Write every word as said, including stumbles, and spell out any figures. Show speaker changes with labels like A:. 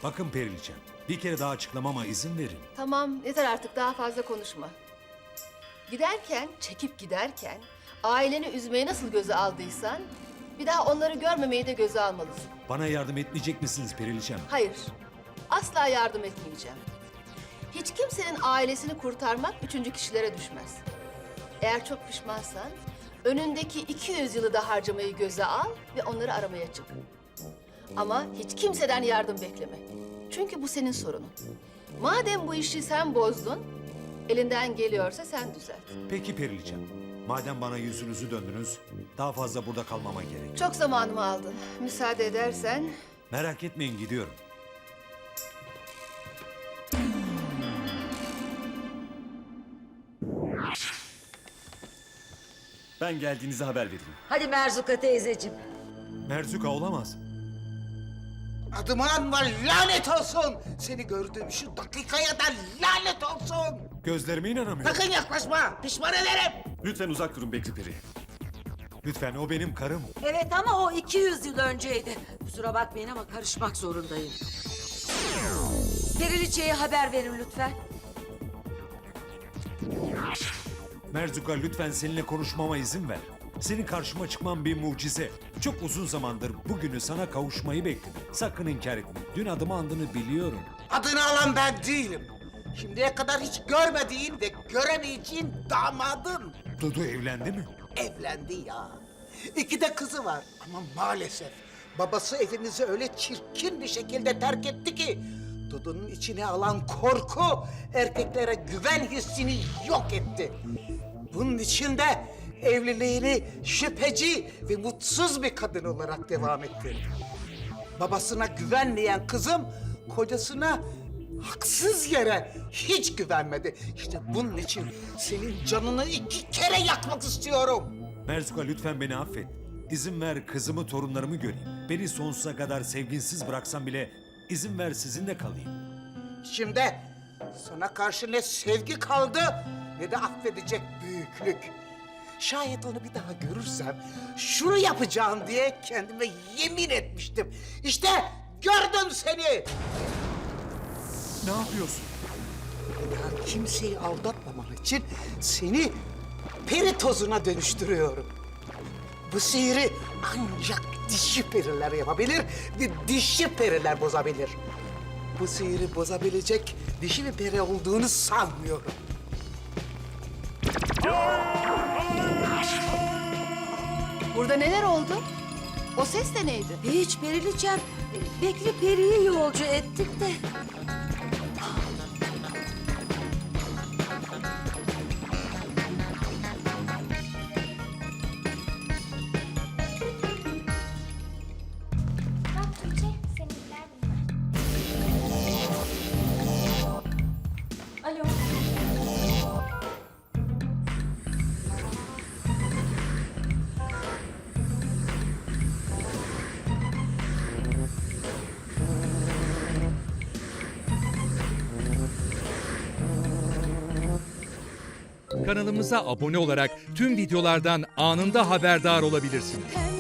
A: Bakın Periliçem, bir kere daha açıklamama izin verin.
B: Tamam, yeter artık, daha fazla konuşma. Giderken, çekip giderken aileni üzmeye nasıl göze aldıysan bir daha onları görmemeyi de göze almalısın.
A: Bana yardım etmeyecek misiniz Periliçem?
B: Hayır, asla yardım etmeyeceğim. Hiç kimsenin ailesini kurtarmak üçüncü kişilere düşmez. Eğer çok pişmansan önündeki iki yüz yılı da harcamayı göze al ve onları aramaya çık. Ama hiç kimseden yardım bekleme. Çünkü bu senin sorunun. Madem bu işi sen bozdun, elinden geliyorsa sen düzelt.
A: Peki Periliçem, madem bana yüzünüzü döndünüz, daha fazla burada kalmama gerek.
B: Çok zamanımı aldın. Müsaade edersen...
A: Merak etmeyin, gidiyorum.
C: Ben geldiğinizi haber vereyim.
D: Hadi Merzuka teyzeciğim.
A: Merzuka olamaz.
E: Adıma anma, lanet olsun! Seni gördüğüm şu dakikaya da lanet olsun!
A: Gözlerime inanamıyorum.
E: Sakın yaklaşma, pişman ederim!
C: Lütfen uzak durun Bekri Peri.
A: Lütfen, o benim karım.
D: Evet ama o iki yüz yıl önceydi. Kusura bakmayın ama karışmak zorundayım. Periliçe'ye haber verin lütfen.
A: Merzuka, lütfen seninle konuşmama izin ver. Senin karşıma çıkman bir mucize. Çok uzun zamandır bugünü sana kavuşmayı bekledim. Sakın inkar etme. Dün adımı andığını biliyorum.
E: Adını alan ben değilim. Şimdiye kadar hiç görmediğin ve göremeyeceğin damadım.
A: Dudu evlendi mi?
E: Evlendi ya. İki de kızı var ama maalesef babası evimizi öyle çirkin bir şekilde terk etti ki Dudu'nun içine alan korku erkeklere güven hissini yok etti. Bunun için de evliliğini şüpheci ve mutsuz bir kadın olarak devam ettirdi. Babasına güvenmeyen kızım kocasına haksız yere hiç güvenmedi. İşte bunun için senin canını iki kere yakmak istiyorum.
A: Merzuka, lütfen beni affet. İzin ver kızımı, torunlarımı göreyim. Beni sonsuza kadar sevginsiz bıraksan bile izin ver sizinle kalayım.
E: Şimdi sana karşı ne sevgi kaldı ne de affedecek büyüklük. Şayet onu bir daha görürsem şunu yapacağım diye kendime yemin etmiştim. İşte gördüm seni.
A: Ne yapıyorsun?
E: Bir daha kimseyi aldatmaman için seni peri tozuna dönüştürüyorum. Bu sihiri ancak dişi periler yapabilir ve dişi periler bozabilir. Bu sihiri bozabilecek dişi bir peri olduğunu sanmıyorum.
B: Burada neler oldu? O ses de neydi?
D: Hiç Periliçem. Bekri Peri'yi yolcu ettik de.
F: Bak Tuğçe, seninkiler bunlar. Alo.
G: Kanalımıza abone olarak tüm videolardan anında haberdar olabilirsiniz.